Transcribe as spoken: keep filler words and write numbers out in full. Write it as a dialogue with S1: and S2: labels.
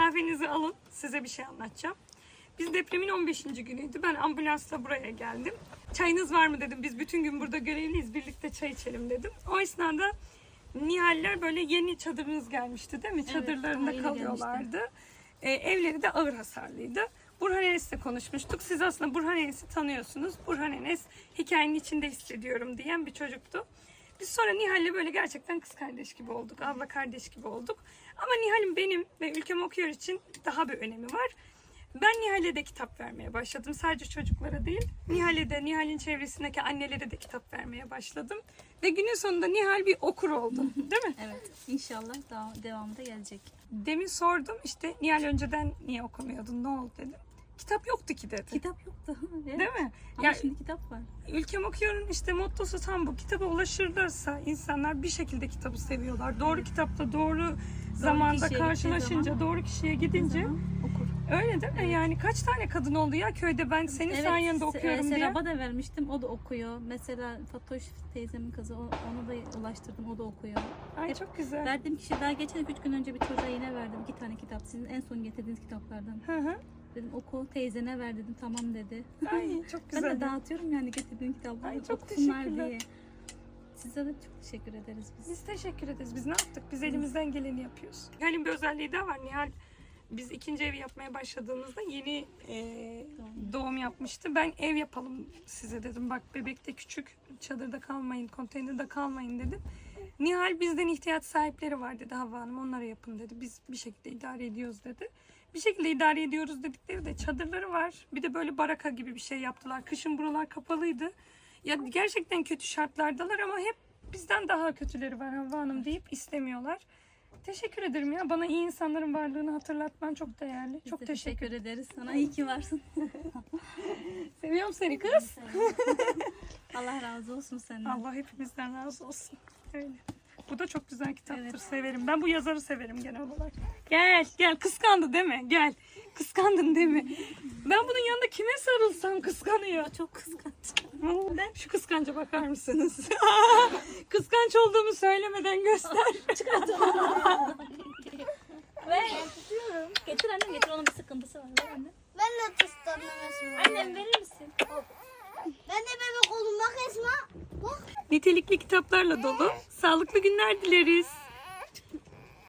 S1: kahvenizi alın. Size bir şey anlatacağım. Biz depremin on beşinci günüydü. Ben ambulansla buraya geldim. Çayınız var mı dedim. Biz bütün gün burada görevliyiz. Birlikte çay içelim dedim. O esnada Nihaller böyle yeni çadırınız gelmişti değil mi?
S2: Evet,
S1: Çadırlarında
S2: yeni
S1: kalıyorlardı. Ee, evleri de ağır hasarlıydı. Burhan Enes'le konuşmuştuk. Siz aslında Burhan Enes'i tanıyorsunuz. Burhan Enes hikayenin içinde hissediyorum diyen bir çocuktu. Biz sonra Nihal'le böyle gerçekten kız kardeş gibi olduk. Abla kardeş gibi olduk. Ama Nihal'in benim ve Ülkem Okuyor için daha bir önemi var. Ben Nihal'e de kitap vermeye başladım. Sadece çocuklara değil. Nihal'e de, Nihal'in çevresindeki annelere de kitap vermeye başladım. Ve günün sonunda Nihal bir okur oldu. Değil mi?
S2: Evet. İnşallah daha devamı da gelecek.
S1: Demin sordum işte Nihal önceden niye okumuyordun, ne oldu dedim. Kitap yoktu ki dedi.
S2: Kitap yoktu. Evet.
S1: Değil mi?
S2: Ama
S1: Ya,
S2: şimdi kitap var.
S1: Ülkem Okuyor'un işte mottosu tam bu. Kitaba ulaşırlarsa insanlar bir şekilde kitabı seviyorlar. Doğru kitapta doğru zamanda
S2: kişiye
S1: karşılaşınca,
S2: gittiği
S1: doğru kişiye gidince
S2: Zaman okur.
S1: öyle değil mi?
S2: Evet.
S1: Yani kaç tane kadın oldu ya köyde ben senin
S2: Evet,
S1: sayende
S2: Se-
S1: okuyorum diye.
S2: Serap'a da vermiştim. O da okuyor. Mesela Fatoş teyzemin kızı. o- Onu da ulaştırdım. O da okuyor.
S1: Ay
S2: Hep
S1: çok güzel.
S2: Verdiğim kişi daha geçen üç gün önce bir çocuğa yine verdim. iki tane kitap. Sizin en son getirdiğiniz kitaplardan.
S1: Hı hı.
S2: Dedim oku teyzene ver dedim. Tamam dedi.
S1: Ay çok
S2: Ben
S1: güzel.
S2: de dağıtıyorum yani getirdiğin kitapları.
S1: Ay, çok
S2: okusunlar
S1: teşekkürler.
S2: diye. Size de çok teşekkür ederiz biz.
S1: Biz teşekkür ederiz. Biz ne yaptık? Biz elimizden geleni yapıyoruz. Nihal'in bir özelliği daha var. Nihal biz ikinci ev yapmaya başladığımızda yeni e, doğum yapmıştı. Ben ev yapalım size dedim. Bak bebek de küçük. Çadırda kalmayın, konteynerde kalmayın dedim. Nihal bizden ihtiyaç sahipleri var dedi Havva Hanım. Onlara yapın dedi. Biz bir şekilde idare ediyoruz dedi. Bir şekilde idare ediyoruz dedikleri de çadırları var. Bir de böyle baraka gibi bir şey yaptılar. Kışın buralar kapalıydı. Ya gerçekten kötü şartlardalar ama hep bizden daha kötüleri var Havva Hanım deyip istemiyorlar. Teşekkür ederim ya. Bana iyi insanların varlığını hatırlatman çok değerli.
S2: Biz
S1: çok
S2: de
S1: teşekkür ederim.
S2: ederiz. Sana iyi ki varsın.
S1: Seviyorum seni kız.
S2: Allah razı olsun senden.
S1: Allah hepimizden razı olsun. Öyle. Bu da çok güzel kitaptır.
S2: Evet.
S1: Severim. Ben bu yazarı severim genel olarak. Gel, gel. Kıskandı değil mi? Gel. Kıskandın değil mi? Ben bunun yanında kime sarılsam kıskanıyor.
S2: Çok kıskanç.
S1: Ben şu kıskanca bakar mısınız? Kıskanç olduğumu söylemeden göster.
S2: Ve getir annem getir onun bir sıkıntısı var. Ver annem.
S3: Ben de kıskandım Esma.
S2: Annem verir misin?
S3: Ben de bebek oldum bak Esma. Bak.
S1: Nitelikli kitaplarla dolu sağlıklı günler dileriz.